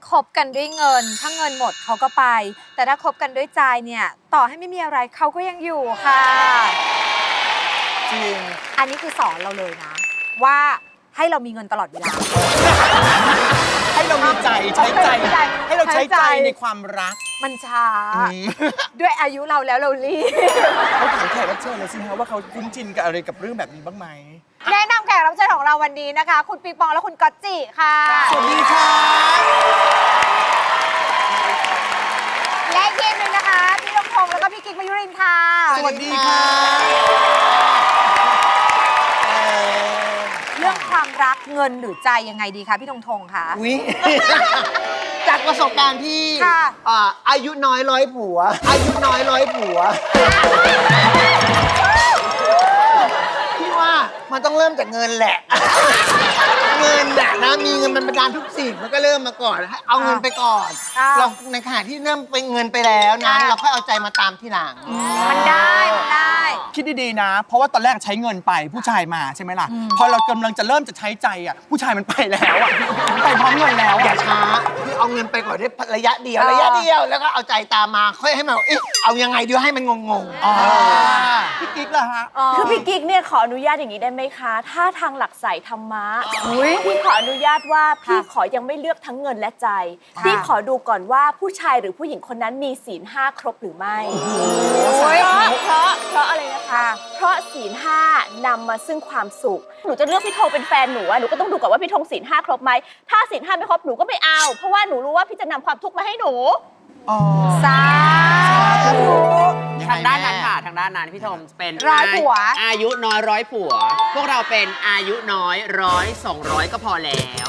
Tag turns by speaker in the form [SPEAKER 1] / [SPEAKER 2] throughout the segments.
[SPEAKER 1] คบกันด้วยเงินถ้าเงินหมดเขาก็ไปแต่ถ้าคบกันด้วยใจเนี่ยต่อให้ไม่มีอะไรเขาก็ยังอยู่ค่ะ
[SPEAKER 2] จริง
[SPEAKER 1] อันนี้คือสอนเราเลยนะว่าให้เรามีเงินตลอดเวลา
[SPEAKER 2] ให้เรามีใจใช้ใจให้เราใช้ใจในความรัก
[SPEAKER 1] มันช้าด้วยอายุเราแล้วเรารีบ
[SPEAKER 2] เขาถามแขกรับเชิญเลยสิฮะว่าเขาคุ้นชินกับอะไรกับเรื่องแบบนี้บ้างไหม
[SPEAKER 1] แนะนำแขกรับเชิญของเราวันนี้นะคะคุณปิงปองและคุณก๊อตจิค่ะ
[SPEAKER 2] สวัสดีค่ะ
[SPEAKER 1] และอีกทีมหนึ่งนะคะพี่ลงพงษ์แล้วก็พี่กิ๊กมายุรินทร์ค่ะ
[SPEAKER 2] สวัสดีค่ะ
[SPEAKER 1] เรื่องความรักเงินหรือใจยังไงดีคะพี่ธงธงคะ
[SPEAKER 3] จากประสบการณ์ที่อายุน้อยร้อยผัวอายุน้อยร้อยผัวพี่ว่ามันต้องเริ่มจากเงินแหละเงินนะมีเงินมันประการทุกสิ่งมันก็เริ่มมาก่อนให้เอาเงินไปก่อนเราในขณะที่เริ่มไปเงินไปแล้วนะเราค่อยเอาใจมาตามที่หลัง
[SPEAKER 1] มันได้
[SPEAKER 2] คิดดีๆนะเพราะว่าตอนแรกใช้เงินไปผู้ชายมาใช่ไหมล่ะพอเรากำลังจะเริ่มจะใช้ใจอ่ะผู้ชายมันไปแล้วอ่ะไปพร้อมเงินแล้ว
[SPEAKER 3] อย่าช้าคือเอาเงินไปก่อนได้ระยะเดียวแล้วก็เอาใจตามมาค่อยให้มันเอายังไงดีให้มันงง
[SPEAKER 2] พี่กิ๊กล่ะฮะ
[SPEAKER 4] คือพี่กิ๊กเนี่ยขออนุญาตอย่างนี้ได้ไหมคะถ้าทางหลักสายธรรมะพี่ขออนุญาตว่าพี่ขอยังไม่เลือกทั้งเงินและใจพี่ขอดูก่อนว่าผู้ชายหรือผู้หญิงคนนั้นมีศีล5ครบหรือไม่เพราะอะไรนะคะเพราะศีล5นำมาซึ่งความสุขหนูจะเลือกพี่ธงเป็นแฟนหนูหนูก็ต้องดูก่อนว่าพี่ธงศีล5ครบไหมถ้าศีล5ไม่ครบหนูก็ไม่เอาเพราะว่าหนูรู้ว่าพี่จะนำความทุกข์มาให้หนู
[SPEAKER 1] สาธุ
[SPEAKER 5] ทางด้านนั้นค่ะทางด้านนั้นพี่ธงเป็น
[SPEAKER 1] ร้อยผัว
[SPEAKER 5] อายุน้อยร้อยผัวพวกเราเป็นอายุน้อย100 200ก็พอแล้ว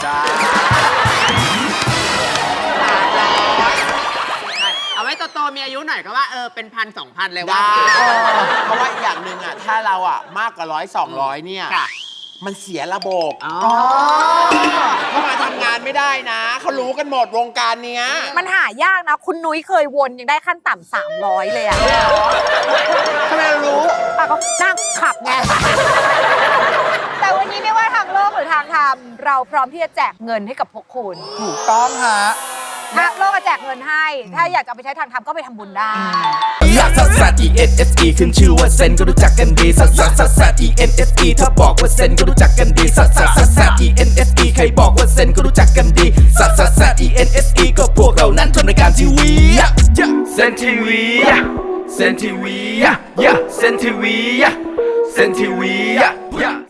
[SPEAKER 5] เอาไว้โตๆมีอายุหน่อยก็ว่าเป็น1,000 2,000เลยว่า
[SPEAKER 6] เพราะว่าอีกอย่างหนึ่งถ้าเรามากกว่า100 200เนี่ยมันเสียระบบเข้ามาทำงานไม่ได้นะเขารู้กันหมดวงการเนี้ย
[SPEAKER 1] มันหายากนะคุณนุ้ยเคยวนยังได้ขั้นต่ำ300เลยอะ
[SPEAKER 6] ทำไมเรารู้
[SPEAKER 1] ก็นั่งขับไงแต่วันนี้ไม่ว่าทางโลกหรือทางธรรมเราพร้อมที่จะแจกเงินให้กับพวกคุณ
[SPEAKER 2] ถูกต้องฮะ
[SPEAKER 1] ทางโลกจะแจกเงินให้ถ้าอยากจะไปใช้ทางธรรมก็ไปทำบุญได้
[SPEAKER 7] ลักซัสซัส ENSE ขึ้นชื่อว่าเซนก็รู้จักกันดีซัสซัสซัสซัส ENSE ถ้าบอกว่าเซนก็รู้จักกันดีซัสซัสซัสซัส ENSE ใครบอกว่าเซนก็รู้จักกันดีซัสซัสซัส ENSE ก็พวกเรานั้นทำรายการทีวีเซนทีวีเซนทีวีเซนทีวีเซนทีวี